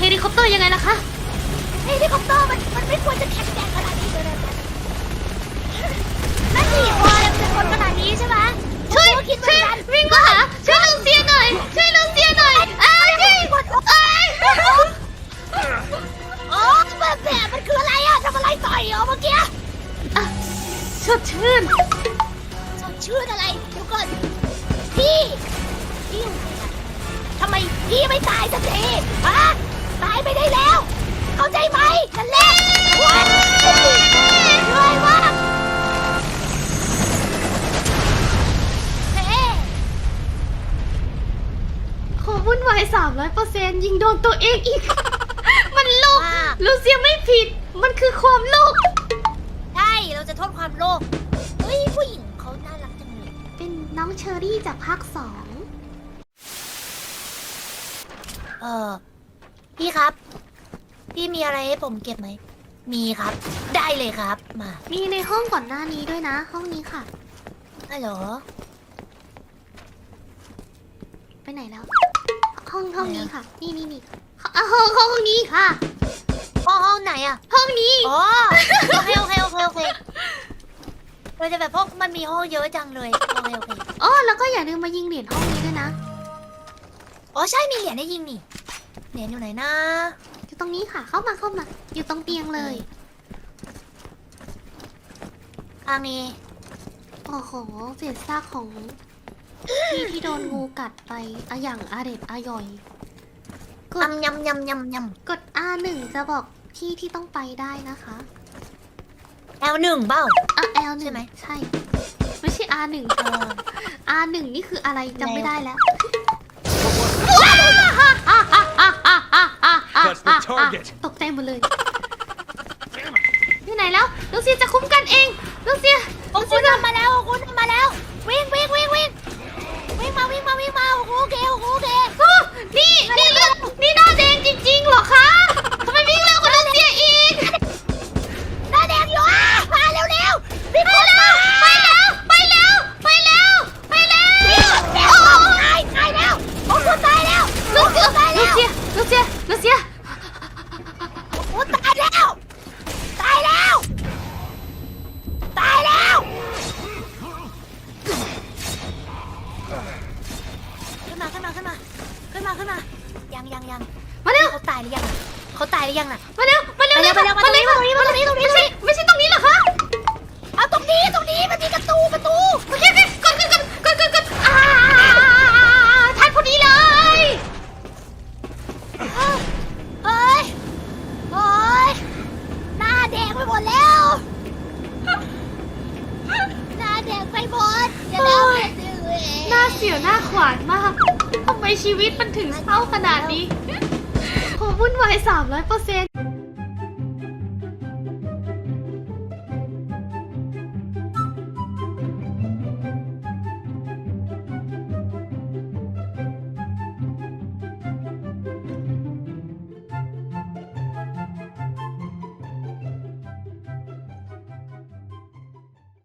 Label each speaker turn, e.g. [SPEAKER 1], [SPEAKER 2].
[SPEAKER 1] ลิคอปเตอร์ยังไงล่ะคะ
[SPEAKER 2] เฮลิคอปเตอร์มันไม่ควรจะแข็งแกร่งขนาดนี้เลยนะนั่นสิวอลเป็นคนขนาดนี้ใช่ไหม
[SPEAKER 1] ช่วยวิ่งมาหาช่วยลูเซียหน่อยช่วยลูเซียหน่อย
[SPEAKER 2] โอ้แบบมันคืออะไรอ่ะทำอะไรต่อยเหรอเมื่อกี้
[SPEAKER 1] สดชื่น
[SPEAKER 2] อะไรเดี๋ยวก่อนพี่อยู่ไหนอะทำไมพี่ไม่ตายสักทีฮะตายไปได้แล้วเข้าใจไหมนั่นแหละช่วยมาก
[SPEAKER 1] ขอวุ่นวาย300%ยิงโดนตัวเองอีก มันโลกลูเซียไม่ผิดมันคือความโลภ
[SPEAKER 2] ใช่เราจะโทษความโลภเฮ้ยผู้หญิงเขาน่ารักจังเลย
[SPEAKER 1] เป็นน้องเชอรี่จากภาค2
[SPEAKER 2] พี่ครับพี่มีอะไรให้ผมเก็บไหมมีครับได้เลยครับ
[SPEAKER 1] มีในห้องก่อนหน้านี้ด้วยนะห้องนี้ค่ะ
[SPEAKER 2] ฮัลโหล
[SPEAKER 1] ไปไหนแล้วห้องนี้ค่ะนี่ห้องนี้ค่ะ
[SPEAKER 2] ห้องไหนอะ
[SPEAKER 1] ห้องนี้
[SPEAKER 2] อ๋อโอเคเราจะแบบพวกมันมีห้องเยอะจังเลยโอเค
[SPEAKER 1] อ๋อแล้วก็อย่าลืมมายิงเหรียญห้องนี้ด้วยนะ
[SPEAKER 2] อ๋อใช่มีเหรียญให้ยิงนี่เหรียญอยู่ไหนนะ
[SPEAKER 1] อยู่ตรงนี้ค่ะเข้ามาอยู่ตรงเตียงเลย
[SPEAKER 2] ทางนี้
[SPEAKER 1] โอ้โหเศษซากของพี่ที่โดนงูกัดไปอย่างอร่อย
[SPEAKER 2] กดยำ
[SPEAKER 1] กด R1 จะบอกพี่ที่ต้องไปได้นะคะ
[SPEAKER 2] L1 เปล่า
[SPEAKER 1] L1
[SPEAKER 2] ใช่ไหม
[SPEAKER 1] ใช่ไม่ใช่ R1 R1 นี่คืออะไรจำไม่ได้แล้วตกใจหมดเลยอยู่ไหนแล้วลูเซียจะคุ้มกันเองลูเซีย
[SPEAKER 2] คุณทำมาแล้ววิ่งมาโอเค
[SPEAKER 1] นี่เลือดนี่หน้าแดงจริงๆเหรอคะทำไมวิ่งเร็วกว่าลูเซียอีก
[SPEAKER 2] หน้าแดงอยู่มาเร็วพี่
[SPEAKER 1] ไปแล้วตายแล้ว
[SPEAKER 2] ตายแล้วผมตายแล้ว
[SPEAKER 1] ลูเซียโอ้ตายแล้ว
[SPEAKER 2] ขึ้นมายัง
[SPEAKER 1] มาเร็ว
[SPEAKER 2] เขาตายหรือยังน่ะ
[SPEAKER 1] มาเร็ว
[SPEAKER 2] มาตรงนี้
[SPEAKER 1] ไม่ใช่ตรงนี้เหรอคะ
[SPEAKER 2] เอาตรงนี้มันมีประตู
[SPEAKER 1] โอเคกดทันพอดีเลย
[SPEAKER 2] เฮ้ยหน้าแดงไปหมดแล้วหน้าแดงไปหมดเดี๋ยว
[SPEAKER 1] หน้าเสียวหน้าขวานมากทำไมชีวิตมันถึงเศร้าขนาดนี้ขอวุ่นวาย300%